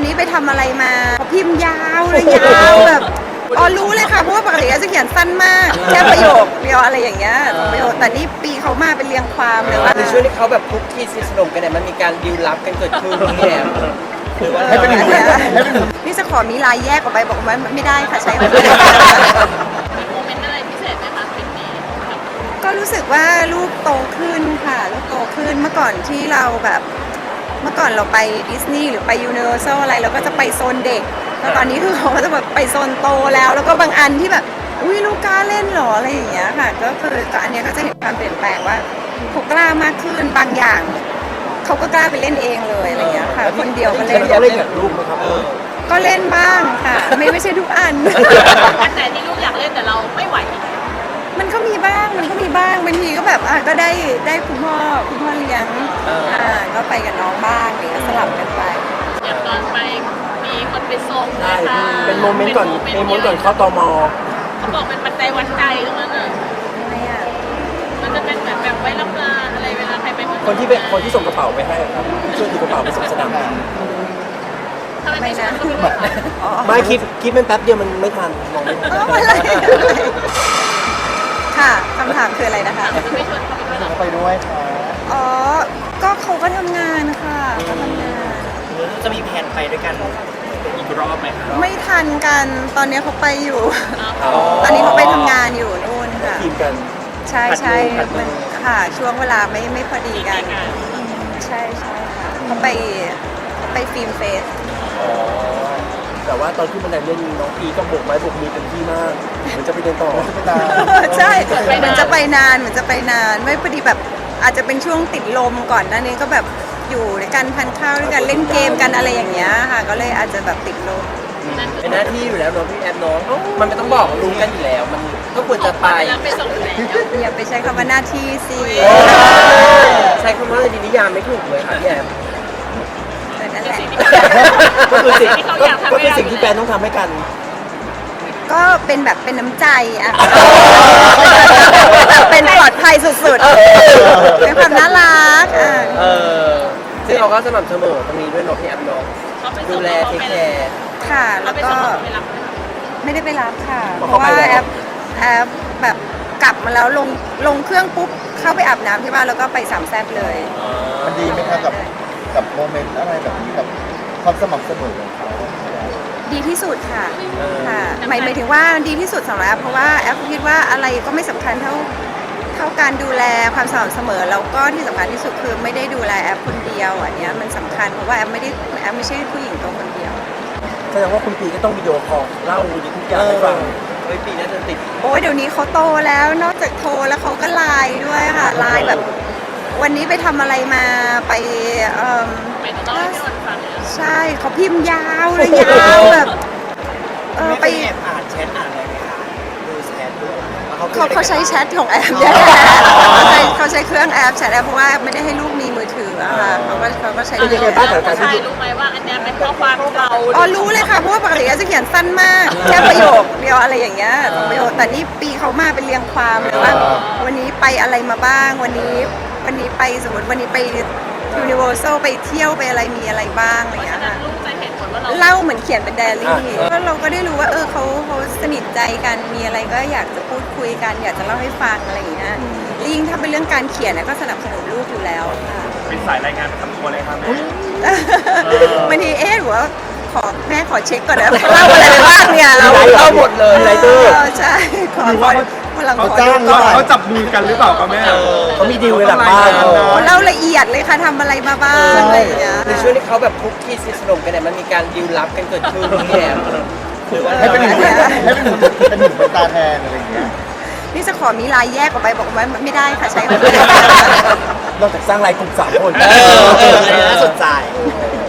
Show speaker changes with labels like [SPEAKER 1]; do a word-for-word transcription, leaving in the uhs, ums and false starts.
[SPEAKER 1] นี้ไปทำอะไรมาเขาพิมพ์ยาวเลยยาวแบบอ๋อรู้เลยค่ะเพราะว่าปกติจะเขียนสั้นมากแค่ประโยคเดียวอะไรอย่างเงี้ยประโยคแต่นี่ปีเขามาเป็นเรียงความเลยว่า
[SPEAKER 2] ในช่วงที่เขาแบบคุกคีสนิทสนมกันเนี่ยมันมีการดีลลับกันเกิดขึ้นพี่แอมหรือว่าให้เป็นหนึ่ง
[SPEAKER 1] นี่จะขอมีลายแยกออกไปบอกว่าไม่ได้ค่ะใช้ไม่ได้
[SPEAKER 3] มีโมเมนต์อะไรพิเศษไหมคะคลิปนี้
[SPEAKER 1] ก็รู้สึกว่าลูกโตขึ้นค่ะลูกโตขึ้นเมื่อก่อนที่เราแบบเมื่อก่อนเราไปดิสนีย์หรือไปยูนิเวอร์แซลอะไรเราก็จะไปโซนเด็กแล้วตอนนี้คือเขาก็จะแบบไปโซนโตแล้ว แล้วก็บางอันที่แบบอุ้ยลูกกล้าเล่นหรออะไรอย่างเงี้ยค่ะก็คือก็อันเนี้ยก็จะเห็นความเปลี่ยนแปลงว่าเขากล้ามากขึ้นบางอย่างเขาก็กล้าไปเล่นเองเลยอะไรอย่างเงี้ยค่ะคนเดียวก็เล่น
[SPEAKER 2] เขาเล่นกับลูกไหมครับ
[SPEAKER 1] ก็เล่นบ้างค่ะไม่ไม่ใช่ทุกอัน
[SPEAKER 3] อันไหนที่ลูกอยากเล่นแต่เราไม่ไหว
[SPEAKER 1] มันก็มีบ้างมันก็มีบ้างบางทีก็แบบอ่ะก็ได้ได้คุณพ่อคุณพ่อเลี้ยงอ่าก็ไปกับน้องบ้างอะไรเงี้ยสลับกันไป
[SPEAKER 3] อย่างตอนไปมีคนไปส่งนะคะ
[SPEAKER 2] เป็นโมเมนต์ก่อนเป็นโมเมนต์ก่อนเข้าตม
[SPEAKER 3] เขาบอกเป็นปัจจัยวัดใจตรงนั้นอ่ะ
[SPEAKER 1] ทำไมอ่ะ
[SPEAKER 3] มันจะเป็นเหมือนแบบไว้รับงานอะไรเวลาใครไปเมือง
[SPEAKER 2] คนที่เป็นคนที่ส่งกระเป๋าไปให้ครับช่วยถือกระเป๋าไปส่งสนามบิน
[SPEAKER 3] ทำไม
[SPEAKER 1] ไม่
[SPEAKER 3] ไม่
[SPEAKER 1] นะ
[SPEAKER 3] ใช่ก็ไม่ไหว
[SPEAKER 1] อ๋อ
[SPEAKER 2] ไม่คลิปคลิปมันแป๊บเดียวมันไม่ทันมองไม่ทัน
[SPEAKER 1] อ๋ออะไรค่ะคำถามคืออะไรนะคะ
[SPEAKER 3] ไม่ชวนเขาไปด้วยหรอ
[SPEAKER 4] ไปด้วยค่ะ
[SPEAKER 1] อ๋อก็เขาก็ทำงานค่ะก็ทำงาน
[SPEAKER 2] จะมีแผนไปด้วยกันอีกรอบไหมครับ
[SPEAKER 1] ไม่ทันกันตอนนี้เขาไปอยู่ ตอนนี้เขาไปทำงานอยู่นู่นค่ะ
[SPEAKER 2] ทีมกัน
[SPEAKER 1] ใช่ใช่
[SPEAKER 2] ผัดมือผัดมือ
[SPEAKER 1] มันค่ะช่วงเวลาไม่ไม่พอดีกัน ใช่ใช่ค่ะเขาไปเขาไปฟิล์มเฟส
[SPEAKER 2] แต่ว่าตอนที่มันได้เล่นน้องพีก็โบกไม้โบกมือเต็มที่มากเหมือนจะไปเดินต่อ
[SPEAKER 1] ใช่เหมือนจะไปนานเหมือนจะไปนานไม่พอดีแบบอาจจะเป็นช่วงติดลมก่อนหน้านี้ก็แบบอยู่ด้วยกันทานข้าวด้วยกันเล่นเกมกันอะไรอย่างเงี้ยค่ะก็เลยอาจจะแบบติดลม
[SPEAKER 2] เป็นหน้าที่อยู่แล้วเนาะพี่แอมเนาะมันไม่ต้องบอกรู้กันอยู่แล้ว มันก็ควรจะไป
[SPEAKER 3] แล้วไปส่งแล้ว
[SPEAKER 1] อย่าไปใช้คำว่าหน้าที่สิ
[SPEAKER 2] ใช้คำว่าดีนิยามไม่ถูกเลยค่ะพี่แอม
[SPEAKER 1] แต่นั่นแหละ
[SPEAKER 2] ก็คือสิ่งก็คือสิ่งที่แฟนต้องทำให้กัน
[SPEAKER 1] ก็เป็นแบบเป็นน้ำใจอะเป็นปลอดภัยสุดๆเป็นความน่ารักอ่ะ
[SPEAKER 2] เออซึ่งเราก็สม่ำเสมอตรงนี้ด้วยเนาะพี่แอมเนาะ
[SPEAKER 3] เขาไปส่
[SPEAKER 2] ดู
[SPEAKER 3] ง
[SPEAKER 2] แลเทคแคร์
[SPEAKER 1] ค่ะ
[SPEAKER 3] เรา
[SPEAKER 1] แล้ว
[SPEAKER 3] ไป
[SPEAKER 1] ก็
[SPEAKER 3] ส่งเราไปรับ
[SPEAKER 1] ไม่ได้ไปรับค่ะ
[SPEAKER 2] เพ
[SPEAKER 1] เพ
[SPEAKER 2] ราะ
[SPEAKER 1] ราะ
[SPEAKER 2] เขา
[SPEAKER 1] ว่า
[SPEAKER 2] ไปแล้ว
[SPEAKER 1] แอปแอปแบบกลับมาแล้วลงลงเครื่องปุ๊บเข้าไปอาบน้ำที่บ้านแล้วก็ไปสามแซ่บเลย
[SPEAKER 4] มันดีไหมคะกับกับโมเมนต์อะไรแบบนี้กับความสม่ำเสมอของเขา
[SPEAKER 1] ดีที่สุดค่ะค่ะหมายหมายถึงว่าดีที่สุดสำหรับแอปเพราะว่าแอปคิดว่าอะไรก็ไม่สำคัญเท่าเท่าการดูแลความสม่ำเสมอแล้วก็ที่สำคัญที่สุดคือไม่ได้ดูแลแอปคนเดียวอันเนี้ยมันสำคัญเพราะว่าแอปไม่ได้แอปไม่ใช่ผู้หญิงตัวคนเดียว
[SPEAKER 2] แสดงว่าคุณปีก็ต้องวิดีโอคอลเล่าทุกอย่างให้ฟังเฮ้ยปีน่าจะติด
[SPEAKER 1] โอ้ยเดี๋ยวนี้เขาโตแล้วนอกจากโทรแล้วเขาก็ไลน์ด้วยค่ะไลน์แบบ วันนี้ไปทำอะไรมาไปเอ่อ
[SPEAKER 3] ไปต้องเล่าให้พี่นนท์ฟังเลย
[SPEAKER 1] ใช่เขาพิมพ์ยาวเลยยาวแบบเออไป
[SPEAKER 2] แอบอ่านแชทอ่านอะไรไหมคะดูแชทด้วย
[SPEAKER 1] เขาเขาใช้แชทของแอปเนี่ยเขาใช้เขาใช้เครื่องแอปแชทแอปเพราะว่าไม่ได้ให้ลูกมีมือถืออะค่ะเขาก็เขาก็ใช้
[SPEAKER 2] เป็นยังไงบ้างกับการ
[SPEAKER 3] ใช่
[SPEAKER 2] ที่
[SPEAKER 3] รู้ไหมว่าอันเนี้ยเป็นข้อความเรา
[SPEAKER 1] อ๋อรู้เลยค่ะเพราะว่าปกติจะเขียนสั้นมากแค่ประโยคเดียวอะไรอย่างเงี้ยสองประโยคแต่นี่ปีเขามาเป็นเรียงความเลยว่าวันนี้ไปอะไรมาบ้างวันนี้วันนี้ไปสมมติวันนี้ไปยูนิเวอร์แซลไปเที่ยวไปอะไรมีอะไรบ้างอะไรอย่างเงี้ยค่ะ
[SPEAKER 3] ลูกจะเห็นผลว่าเรา
[SPEAKER 1] เล่าเหมือนเขียนเป็นไดอารี่ก็เราก็ได้รู้ว่าเออเขาเขาสนิทใจกันมีอะไรก็อยากจะพูดคุยกัน อยากจะเล่าให้ฟังอะไรอย่างเงี้ยยิ่งถ้าเป็นเรื่องการเขียนนะก็สนับสนุนลูกอยู่แล้วค่ะ
[SPEAKER 5] เป็นสายรายงานประจำตัวเลยครับแม่
[SPEAKER 1] บางทีเอ๊ะหรือว่าขอแม่ขอเช็คก่อนนะเล่าอะไรไปบ้างเนี่ยเรา
[SPEAKER 2] เล่าหมดเลยไรเดอร์
[SPEAKER 1] ใช่ขอขอพลังข
[SPEAKER 4] เขา
[SPEAKER 1] อ
[SPEAKER 4] จ้าง
[SPEAKER 1] ดู
[SPEAKER 4] หรือ
[SPEAKER 1] ก่อน
[SPEAKER 4] เปล่า
[SPEAKER 5] เขาจับมือกันหรือเปล่าครับแม่
[SPEAKER 2] เขามีดีลกันหลังบ้าน
[SPEAKER 1] เล่าละเอียดเลยค่ะทำอะไรมาบ้างอะไรอย่างเงี้ย
[SPEAKER 2] ในช่วงที่เขาแบบคุกคีสนิทสนมกันเนี่ยมันมีการดีลลับกันเกิดขึ้นพี่แอมหรือว่า
[SPEAKER 4] ให้เป็นหนึ่งให้เป็นหนึ่งเป็นหนึ่งเป็นตาแทนอะไรอย่างเงี้ย
[SPEAKER 1] นี่จะขอมีลายแยกออกไปบอกว่าไม่ได้ค่ะใช้ไม่ได้
[SPEAKER 2] นอกจากสร้างรายกลุ่มสามคน
[SPEAKER 4] เออ
[SPEAKER 2] น่าสนใจ